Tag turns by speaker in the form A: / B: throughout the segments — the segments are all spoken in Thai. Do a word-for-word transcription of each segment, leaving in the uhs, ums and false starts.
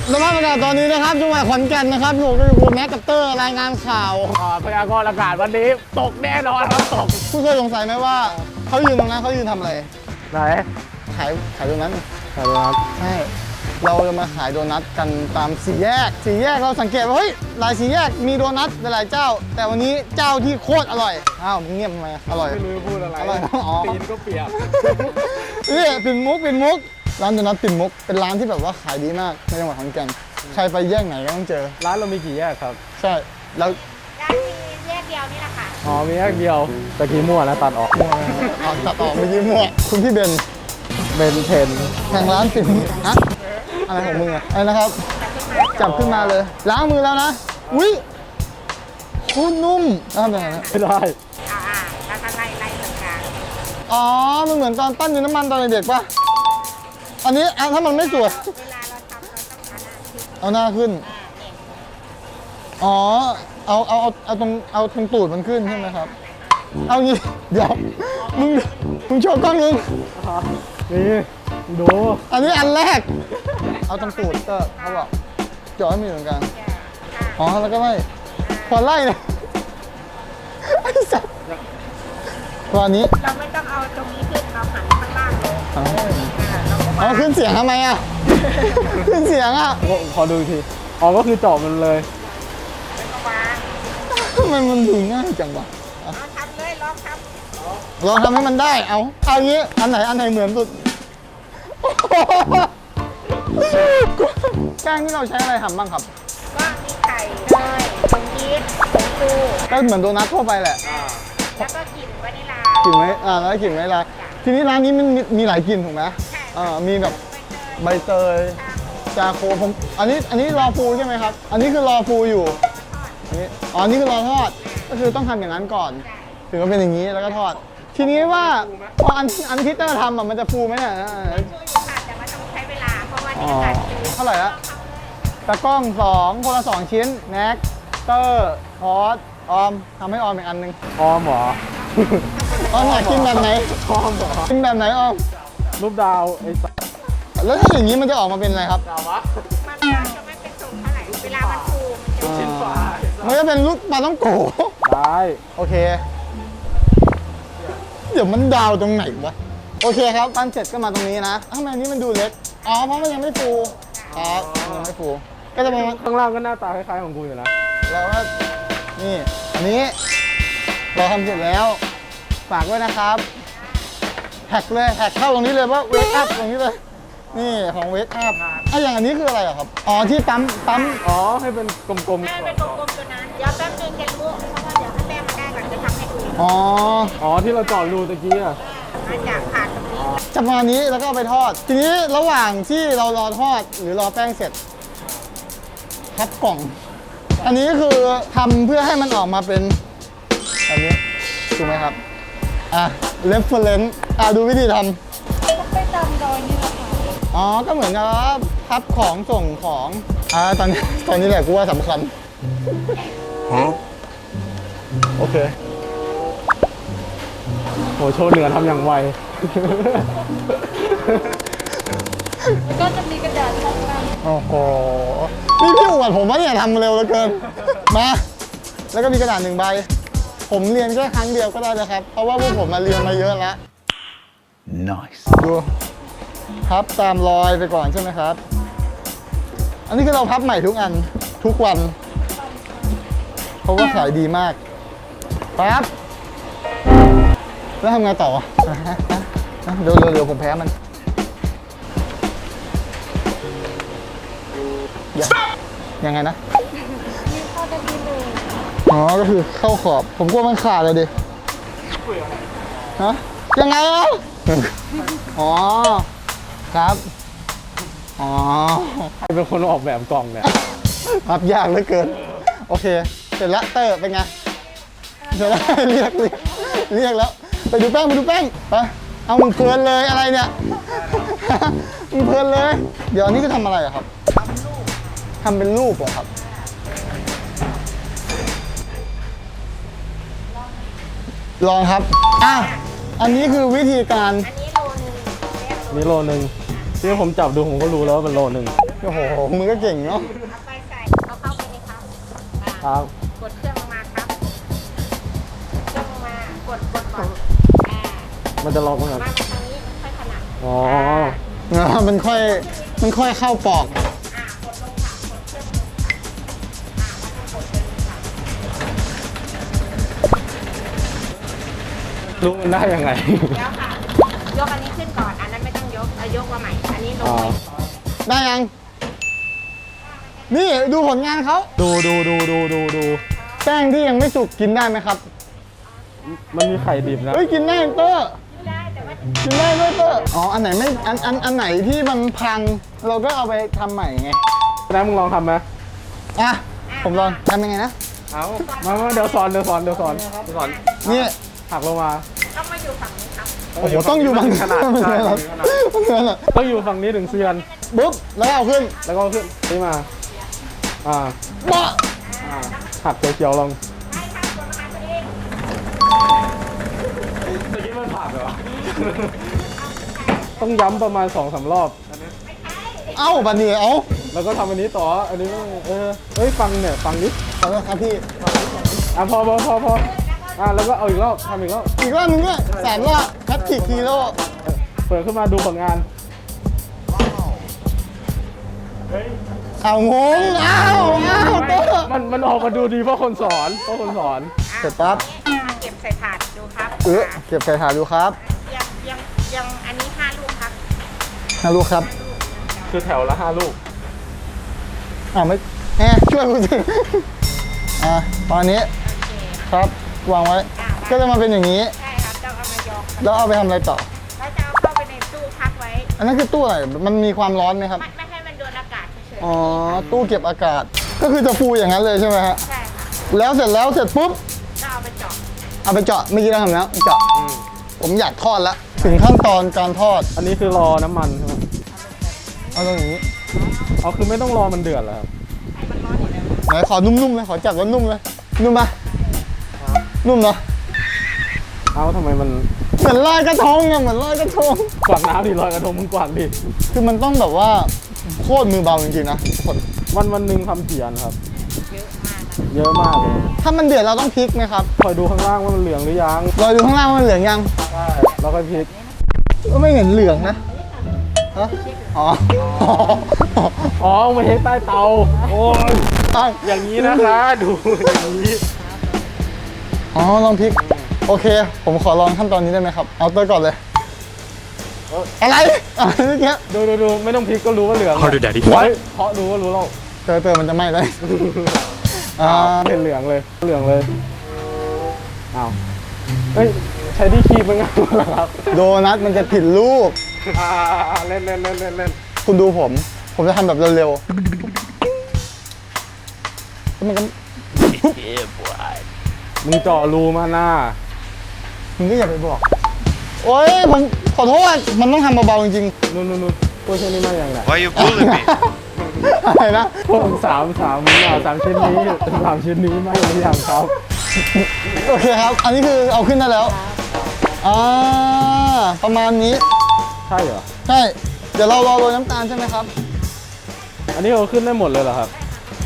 A: สภาพอากาศตอนนี้นะครับจังหวัดขอนแก่นนะครับอยู่กับคุณแม็กกับเตอร์รายงานข่าว
B: พยากรณ์อากาศวันนี้ตกแน่นอนครับตก
A: ผู้เคยสงสัยไหมว่าเขายืนตรงนั้นเขายืนทำอะไร
B: ไหน
A: ขายขายตรงนั้น
B: ขายโดนัท
A: ใช่เราจะมาขายโดนัทกันตามสี่แยกสี่แยกเราสังเกตว่าเฮ้ยหลายสี่แยกมีโดนัทหลายเจ้าแต่วันนี้เจ้าที่โคตรอร่อยอ้าวมึงเงียบทำไมอร่อย
B: ไม่รู้พูดอะไร
A: อร่อย
B: ตีนก็เปียก
A: นี่ปิ่นมุกปิ่นมุกร้านโดนัทปิ่นมุกเป็นร้านที่แบบว่าขายดีมากในจังหวัดขอนแก่นใครไปแยกไหนก็ต้องเจอ
B: ร้านเรามีกี่แยกครับ
A: ใช่แล้ว
C: ร้านมีแยกเดียวนี่แหละค่ะ
B: อ๋อมีแยกเดียวตะกี้มั่วนะตัดออก
A: มั่วอ๋อตัดออกเมื่อกี้มั่วคุณพี่เบน
B: เบนเทน
A: แข่งร้านปิ่นฮะอะไรของมึงอะอะไรนะครับจับขึ้นมาเลยล้างมือแล้วนะอุ้ยคุณนุ่มทำยังไงนะ
B: ไม่ได้
C: อ่าแล้วก็ไล่ไล่เหมือนกัน
A: อ๋อมันเหมือนตอนปั้นดินน้ำมันตอนเด็กป่ะอันนี้ถ้ามันไม่สวย
C: เวลาเราทำเราต้องเอาหน้าขึ้น
A: เอาหน้าขึ้นอ๋อเอาเอาเอาเอาตรงเอาตรงตูดมันขึ้นใช่ไหมครับเอางี้เดี๋ยวมึงมึงโชว์กล้องนึง
B: นี่ดู
A: อันนี้อันแรกเอาตรงตูดก็เขาบอกเจาะให้มีเหมือนกันอ๋อแล้วก็ไล่พอไล่เนี่ยไอ้สัสตัวนี้
C: เราไม่ต้องเอาตรงนี้ขึ้นเราหันข้างล่างลง
A: เอาขึ้นเสียงทำไมอ่ะขึ้นเสียงอ่ะ
B: ขอดูทีอ๋อก็คือเจาะมันเลย
A: ทำไมมันดูง่ายจังวะ
C: ลองทำเลยลองท
A: ำลองทำให้มันได้เอาเอางี้อันไหนอันไหนเหมือนสุดแป้งที่เราใช้อะไรทำบ้างครับ
C: ก็มีไข่เนยผงยีสต์ผงชู
A: ก็เหมือนโดนัททั่วไปแหละ
C: แล้วก็กลิ่นวานิลาก
A: ลิ่นไหมอ่าแล้วกลิ่นวานิลาทีนี้ร้านนี้มันมีหลายกลิ่นถูกไหมอ่ามีแบบใบเตยจาโคผมอันนี้อันนี้รอฟูใช่ไหมครับอันนี้คือรอฟูอยู่อันนี้อ๋อนี่คือรอทอดก็คือต้องทำอย่างนั้นก่อนถึงจะเป็นอย่างนี้แล้วก็ทอดทีนี้ว่าพออันอันที่เตอร์ทำอ่ะมันจะฟูไหมเนี่ย
C: ช่วยอยู่ค่ะแต่ว่าต้องใช้เวลาเพราะว่านี่การฟู
A: เท่าไหร่ละตะกล้องสองคนละสองชิ้นแน็กเตอร์พอสออมทำให้ออมอีกอันนึง
B: ออมเหรอ
A: ออมอยากกินแบบไหน
B: ออมเหรอ
A: กินแบบไหนออม
B: รูปดาวไอ้สัส
A: แล้วถ้าอย่างนี้มันจะออกมาเป็นอะไรครับ
B: ดาววะ
C: มันจะไม่เป็นสูงเท่าไหร่เวลามันฟูมันจะ
B: ชิ้นฝา
A: มันจะเป็นรูปปลาต้องโก
B: ได้
A: โอเคเดี๋ยวมันดาวตรงไหนวะโอเคครับปั้นเสร็จก็มาตรงนี้นะทำไมอันนี้มันดูเล็กอ๋อเพราะมันยังไม่ฟูครับยังไม่ฟูก็จะเป็น
B: ข้างล่างก็หน้าตาคล้ายๆของกูอยู่นะ
A: แล้วก็นี่อันนี้เราทำเสร็จแล้วฝากด้วยนะครับแท็กเลยแท็กเข้าตรงนี้เลยว่าเวกอัพตรงนี้เลยนี่ของเวกอัพไอ้อย่างอันนี้คืออะไรครับอ๋อที่ปั๊มปั๊ม
B: อ๋อให้เป็นกลมๆ
C: ให้เป็นกลมๆตัวนั้นเดี๋ยวแป๊บนึงจะรู้เพราะว่าเดี๋ยวให้แป้งมันได้ก่อนจะทำให้ดู
A: อ๋อ
B: อ๋อที่เราเจาะรูตะกี้อ่ะ
C: มาจากผ่านตรงนี้
A: จะมานี้แล้วก็เอาไปทอดทีนี้ระหว่างที่เรารอทอดหรือรอแป้งเสร็จพับกล่องอันนี้คือทำเพื่อให้มันออกมาเป็นอันนี้ถูกไหมครับอ่ะ reference อ่ะดูวิธีท
C: ำไปตามรอยนี่แหละค่ะ
A: อ๋อก็เหมือนกับพับของส่งของอ่าตอนนี้ตอนนี้แหละกูว่าสำคัญฮะโอเค
B: โหโชว์เหนือทำอย่างไว
C: ก็จะมีกระดาษข้างล่าง
A: โอ้โหนี่พี่อวดผมว่าเนี่ยทำเร็วเหลือเกินมาแล้วก็มีกระดาษหนึ่งใบผมเรียนแค่ครั้งเดียวก็ได้นะครับเพราะว่าพวกผมมาเรียนมาเยอะแล้ว nice ดูพับตามรอยไปก่อนใช่ไหมครับอันนี้คือเราพับใหม่ทุกอันทุกวันเพราะว่าขายดีมากปั๊บแล้วทำไงต่อเดี๋ยวเดี๋ยวผมแพ้มันยังไงนะ
C: เข้าได้ดีเลย
A: อ๋อก็คือเข้าขอบผมกลัวมันขาดเลยดิฮะยังไงอ่ะอ๋อครับอ๋อ
B: ใครเป็นคนออกแบบกล่องเนี่ย
A: พับยากเหลือเกินโอเคเสร็จแล้วเตอร์เป็นไงเสร็จแล้วเรียกเรียกเรียกแล้วไปดูแป้งไปดูแป้งไปเอามึงเพลินเลยอะไรเนี่ยมึงเพลินเลยเดี๋ยวอันนี้จะทำอะไรครับทำเป็นรูปเหรอครับลองครับอ่ะอันนี้คือวิธีการ
C: อันนี้โลนึง
B: นี่โลนึงที่ผมจับดูผมก็รู้แล้วว่าเป็นโลนึง
A: โอ้โหมึงก็เก่งเนาะ
C: เอาไปใส่เอาเข้าไปเลยครับอ่า
B: ครับ
C: กดเครื่องลงมาครับเครื่องลงมากดกดก่อนอ่า
B: มันจะล็อกมั้งครับ
C: มาทางนี้ค่อยถนัด
B: อ๋อ
A: อ่ามันค่อยมันค่อยเข้าปอก
C: อ่ากดลงค่ะกดเครื่องลงค่ะอ่าแล้วก็กดเครื่องลงค่ะ
B: รู้มันได้ยังไง
C: เดี๋ยวค่ะ ยกอันนี้ขึ้นก่อน อันนั้นไม่ต้องยกเอายกมาใหม่ อันนี้ลง
B: อ๋อ
C: ไว้
A: ได้ยัง นี่ดูผลงานเขา
B: ดูดูดูดูดูดู
A: แป้งที่ยังไม่สุกกินได้ไหมครับ
B: มันมีไข่ดิบนะ
A: เฮ้ยกินได้เตอร์
C: ได้แต่ว่า
A: กินได้ด้วยเตอร์อ๋ออันไหนไม่อันอันอันไหนที่มันพังเราก็เอาไปทำใหม่ไง
B: นะมึงลองทำไหม
A: อ่ะผมลองทำยังไงนะ
B: เอามามาเดี๋ยวสอนเดี๋ยวสอนเดี๋ยวสอนเดี๋ยวสอน
A: นี่
B: หักลงมา
C: ต้องมาอยู่ฝั่งนี้ครับ
A: โอ้โหต้องอยู่บาง
B: ขนาด
A: มัน
B: ใช่
A: เหรอ
B: ขนาด
A: มันเหรอ
B: ต้องอยู่ฝั่งนี้ถึงเซียน
A: ปุ๊บแล้วเอาขึ้น
B: แล้วก็ขึ้นนี่มา อ่า
A: เบาะ
B: อ่าหักเขียวๆลง
C: ได้ครับตัวมาตัวเอง
B: ตะกี้มันผ่านเหรอ ต้องย้ำประมาณสองสามรอบ
A: เอ้าบันนี้เอ้า
B: แล้วก็ทำอันนี้ต่อ อันนี้เออเฮ้ยฟังเนี่ยฟังนิด
A: ขอโทษครับพี่
B: อ่ะพอพอพอพออ่ะแล้วก็เอาอีกรอบทำอีกรอบ
A: อีกรอบนึงด้วยแสนรอบแพทริกฮีโร่
B: เปิดขึ้นมาดูผลงาน
A: เอางงอ้าวอ้าวเตอร์
B: มันมันออกมาดูดีเพราะคนสอนเพราะคนสอน
A: เสร็จปั๊บ
C: อ่าเก็บใส่ถาดดูครับ
A: เออเก็บใส่ถาดดูครับ
C: ยังยังยังอันนี้ห้าลูกครับ
A: นะลูกครับ
B: คือแถวละห้าลูก
A: อ้าวไม่แหมช่วยกูสิอ่ะตอนนี้
C: โอเค
A: ครับวางไว้ ก็จะมาเป็นอย่างนี้
C: ใช่ครับต้องเอามายอง
A: แล้วเอาไปทำอะไรต่อ
C: แล้วจะเอาเข้าไปในตู้พักไว้
A: อันนั้นคือตู้อะไรมันมีความร้อนไหมครับ
C: ไม่ไม่ให้มันโดนอากาศเฉย
A: อ๋อตู้เก็บอากาศ ก็คือจะฟูอย่างนั้นเลยใช่ไหมฮะ
C: ๆใช่ค่ะ
A: แล้วเสร็จแล้วเสร็จปุ๊บ
C: ก็เอาไปเจาะ
A: เอาไปเจาะเมื่อกี้เราทำแล้วเจาะผมอยากทอดละถึงขั้นตอนการทอด
B: อันนี้คือรอน้ำมันใช่ไหม
A: เอาตรงนี้
B: อ๋อคือไม่ต้องรอมันเดือดแล้วครับ
C: ให้มันร้อนอยู่แล้ว
A: ไหนขอนุ่มๆเลยขอจับว่านุ่มเลยนุ่มปะนุ่มเนาะ
B: เอ้าทำไมมัน
A: เหมือนลอยกระทงอะเหมือนลอยกระทง
B: กวางน้ำดิลอยกระทงมึงกวางดิ
A: คือมันต้องแบบว่าโคตรมือเบาจริงๆนะคน
B: วันวันหนึ่งทำกี่อันครับ
C: เยอะมากนะ
B: เยอะมากเลย
A: ถ้ามันเดือดเราต้องพลิกไหมครับ
B: คอยดูข้างล่างว่ามันเหลืองหรือยัง
A: เราดูข้างล่างว่ามันเหลืองยัง
B: ใช่แล้วก็พลิก
A: ก็ไม่เห็นเหลืองนะฮะอ๋อ
B: อ๋อมาเทใต้เตา โอ้ย
A: อ้าว
B: อย่างนี้นะคะ ดูอย่างนี้
A: อ๋อลองพลิกโอเค ผมขอลองขั้นตอนนี้ได้ไหมครับเอาเตอร์ก่อนเลยอะไรอะไรเมื่อกี้
B: ดูดูดูไม่ต้องพลิกก็รู้ว่าเหลือง
D: Harder, Daddy.
B: เฮ้ยเพราะดูก็รู้แล้ว
A: เตอร์เตอร์มันจะไหม้ได้อ่า
B: เป็นเหลืองเลย เหลืองเลยอ้าวเฮ้ยใช้ที่คีบเป็นไงเหรอครับ
A: โดนัทมันจะผิดรูป
B: อ่าเล่นเล่นเล่นเล่นเล่น
A: คุณดูผม ผมจะทำแบบเร็วๆแล้วมันก็
B: มึงเจาะรูมาหน้า
A: มึงก็อย่าไปบอก โอ๊ยผมขอโทษ มันต้องทำเบาๆจริง
B: นู่นนู่นนู่นพวกชิ้นนี้มาอย่างไร
D: Why you bullying me?
A: ๆ อะไรนะ
B: พวกสามสามอ่าสามชิ้นนี้สามชิ้นนี้มาหรือยังครับ
A: โอเคครับ อันนี้คือเอาขึ้นได้แล้ว อ่า ประมาณนี้
B: ใช่เหรอ
A: ใช่ เดี๋ยวเรารอโรยน้ำตาลใช่ไหมครับ
B: อันนี้เอาขึ้นได้หมดเลยเหรอครับ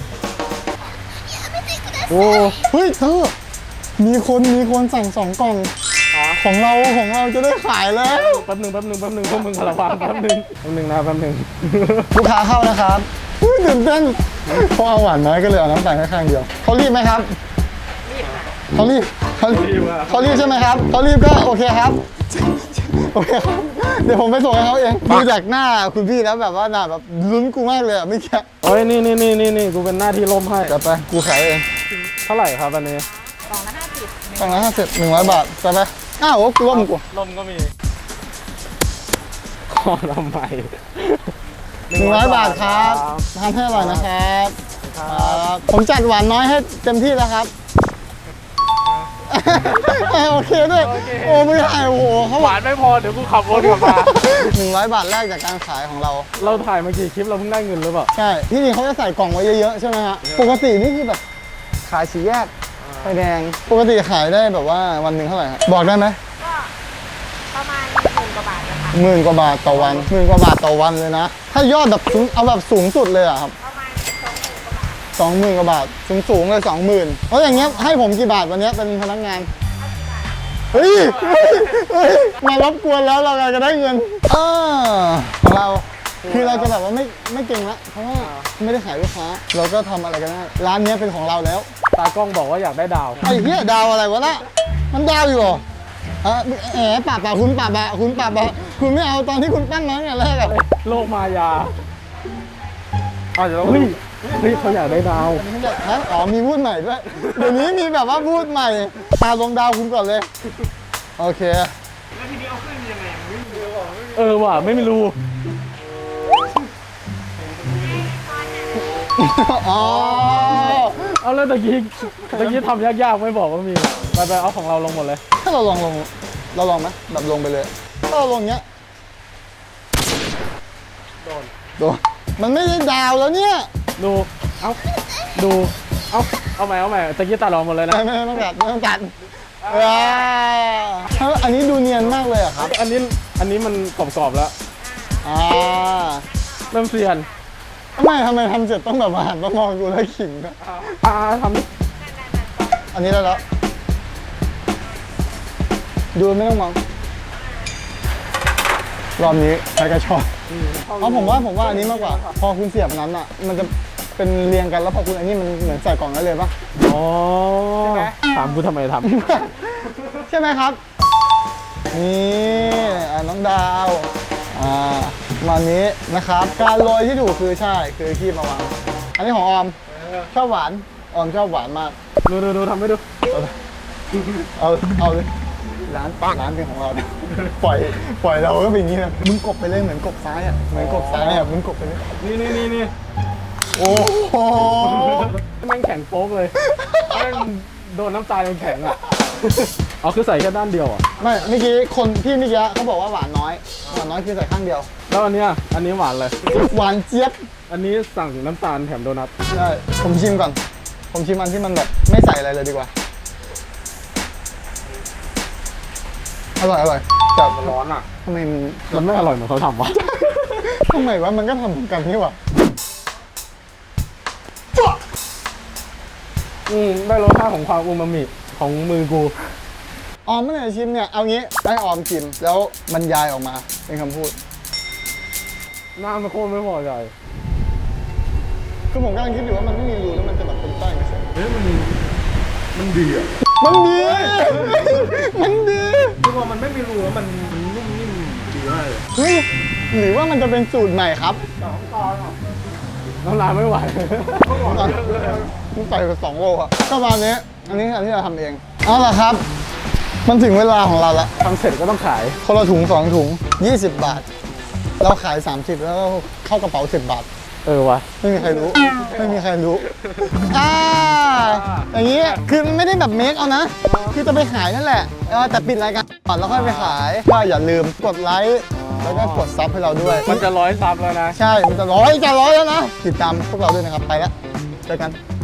B: โอ้
A: เฮ้ยเธอ มีคนมีคนสั่งสองกล่อง ของเราของเราจะได้ขายแล้ว
B: แป๊บหนึ่งแป๊บหนึ่งแป๊บหนึ่งพวกมึงระวังแป๊บหนึ่งแป๊บหนึ่งนะแป๊บหนึ่ง
A: ลูกค้าเข้านะครับอุ๊ยตื่นเต้นเพราะเอาหวานน้อยก็เลยเอาน้ำตาลแค่ข้างเดียวเขารีบไหมครับ
C: รีบค่ะ
A: เขารีบเขารีบ
B: รีบอะ
A: เขารีบใช่ไหมครับเขารีบก็โอเคครับโอเคครับเดี๋ยวผมไปส่งให้เขาเองดูจากหน้าคุณพี่แล้วแบบว่าหน้าแบบลุ้นกูมากเลยอ่ะไม่แค่
B: โอ้ยนี่นี่นี่นี่นี่กูเป็นหน้าที่ล่มให้
A: จะไปกูขายเอง
B: เท่าไหร่ครับอันนี้
C: กล่องละห้าสิบ
A: สองร้อยห้าสิบหนึ่งร้อยบาทจะไปอ้าวกูร่วมกู
B: ล่มก็มีขอทำไม
A: หนึ่งร้อยบาทครับทานให้อร่อยนะครับครับผมจัดหวานน้อยให้เต็มที่แล้วครับ โอเคด้วยโอ้ไม่ได้โอ้โหเขา
B: หวานไม่พอเดี๋ยวกูขับรถกลับมา
A: หนึ่งร้อยบาทแรกจากการขายของเรา
B: เราถ่ายมากี่คลิปเราเพิ่งได้เงินหรือเปล่า
A: ใช่ ที่จริงเขาจะใส่กล่องไว้เยอะๆใช่ไหมฮะ ปกตินี่คือแบบขายสีแยกไฟแดง ปกติขายได้แบบว่าวันหนึ่งเท่าไหร่ฮะบอกได้ไหม
C: ก็ประมาณหมื่นกว่าบาทนะคะ
A: หหมื่นกว่าบาทต่อวันหมื่นกว่าบาทต่อวันเลยนะ ถ้ายอดแบบสูงเอาแบบสูงสุดเลยอะครับ
C: ประมาณสองหมื่นกว่าบาท
A: สองหมื่นกว่าบาทสูงสูงๆเลยสองหมื่นเพราะอย่างเงี้ยให้ผมกี่บาทวันเนี้ยเป็นพนักงาน เฮ้ยเฮ้ยเฮ้ยมารบกวนแล้วเราจะได้เงินเออของเราคือเราจะแบบว่าไม่ไม่เก่งละเพราะว่าไม่ได้ขายลูกค้า เราก็ทำอะไรกันได้ร้านเนี้ยเป็นของเราแล้ว
B: ตากล้องบอกว่าอยากได้ดาว
A: ไอ้เหี้ยดาวอะไรวะน่ะมันดาวอยู่เหรออ่ะแหมปรับปะคุณปรับอะคุณปรับอะคุณไม่เอาตอนที่คุณปั้นมาตั้งแต่แรกอะ
B: โลกมายาอาจจะต้องเฮ้ยเฮ้ยเขาอยากได้ดาว
A: ไม่ใช่ฮะอ๋อมีพูดใหม่ด้วยเดี๋ยวนี้มีแบบว่าพูดใหม่ตาลงดาวคุณก่อนเลยโอเค
B: เออว่ะไม่มีรู
A: อ๋อ
B: เอาแล้วตะกี้ตะกี้ทำยากๆไม่บอกว่ามีไปไปเอาของเราลงหมดเลย
A: ถ้าเราลองลงเราลองไหมแบบลงไปเลยถ้าเราลงเงี้ย
B: โดน
A: โดนมันไม่ได้ดาวแล้วเนี่ย
B: ดูเอาดูเอาเอาใหม่เอาใหม่ตะกี้ตัดออกหมดเลยนะ
A: ไม่ไม่ไม่ต้องตัดไม่ต้องตัดว้าวอันนี้ดูเนียนมากเลยอะครับ
B: อันนี้อันนี้มันกรอบๆแล้ว
A: อ่า
B: เริ่มเซียน
A: ทำไมทำไมทำเสร็จต้องแบบมาหันมามองกูแล้วขิงด้วย
B: อ่าทำดิ
A: อันนี้ได้แล้วดูไม่ต้องมองรอบนี้ใช้กระชอกเพราะผมว่าผมว่าอันนี้มากกว่า พอคุณเสียบนั้นอ่ะ มันจะเป็นเรียงกันแล้วพอคุณอันนี้มันเหมือนใส่กล่องได้เลยปะ
B: อ๋อถามกูทำไมท
A: ใช่ไหมครับ นี่อ่ะน้องดาวอ่ามานี้นะครับ การโรยที่ถูกคือใช่คือขี้มาวางอันนี้ของออมชอบหวานออมชอบหวานมาก
B: ำดูดูดูทำให้ดู
A: เอาเอาเลยร้านร้านเป็นของเราเนี่ยปล่อยปล่อยเราก็เป็นอย่างนี้นะมึงกบไปเลยเหมือนกบซ้ายอ่ะเหมือนกบซ้ายอ่ะมึงกบไปเลย
B: นี่นี่นี่นี่
A: โอ้โห
B: แม่งแข็งโป๊กเลยแม่งโดนน้ำตาลแข็งอ่ะเอาคือใส่แค่ด้านเดียวอ่ะ
A: ไม่เมื่อกี้คนพี่เมื่อกี้เขาบอกว่าหวานน้อยหวานน้อยคือใส่ข้างเดียว
B: แล้วอันเนี้ยอันนี้หวานเลย
A: หวานเจี๊ยบ
B: อันนี้สั่งน้ำตาลแถมโดนัท
A: ใช่ผมชิมก่อน ผมชิมอันที่มันแบบไม่ใส่อะไรเลยดีกว่าอร่อยอร่อยแต่
B: มันร้อนอ่ะ
A: ทำไมมัน
B: มันไม่อร่อยเหมือนเขาทำวะ
A: ทำไมวะมันก็ทำเหมือนกันนี่หว่า
B: อืมได้รสชาติของความอูมามิของมือกู
A: ออมไม่ได้ชิมเนี่ยเอางี้ให้ออมชิมแล้วบรรยายออกมาเป็นคำพูด
B: หน้ามันโคตรไม่พอใจ
A: คือผมกำลังคิดอยู่ว่ามันไม่มีรูแล้วมันจะแบบเป็นแป้งเฉย
B: เฮ้ยมันมันดีอ่ะ
A: มันดี มันดี
B: คือว่ามันไม่มีรูแล้วมันมันนุ่มนิ่มดีมากเลย
A: เฮ้ยหรือว่ามันจะเป็นสูตรใหม่ครับ
B: น้ำลายไม่ไหว
A: มันใส่ไปสองโลอะก็ประมาณนี้อันนี้อันที่เราทำเองเอาล่ะครับ มันถึงเวลาของเราละ
B: ทำเสร็จก็ต้องขาย
A: คนละถุงสองถุงยี่สิบบาท เราขายสามสิบแล้วก็เข้ากระเป๋าสิบบาท
B: เออวะ
A: ไม่มีใครรู้ ไม่มีใครรู้ อ่า อย่างนี้ คือมันไม่ได้แบบเมคเอานะ คือจะไปขายนั่นแหละเออแต่ปิดรายการก่อนแล้วค่อยไปขาย ก็อย่าลืมกดไลค์ แล้วก็กดซับให้เราด้วย
B: มันจะร้อยซับแล้วนะ
A: ใช่ มันจะร้อยจะร้อยแล้วนะ ติดตามพวกเราด้วยนะครับ ไปแล้ว เจอกัน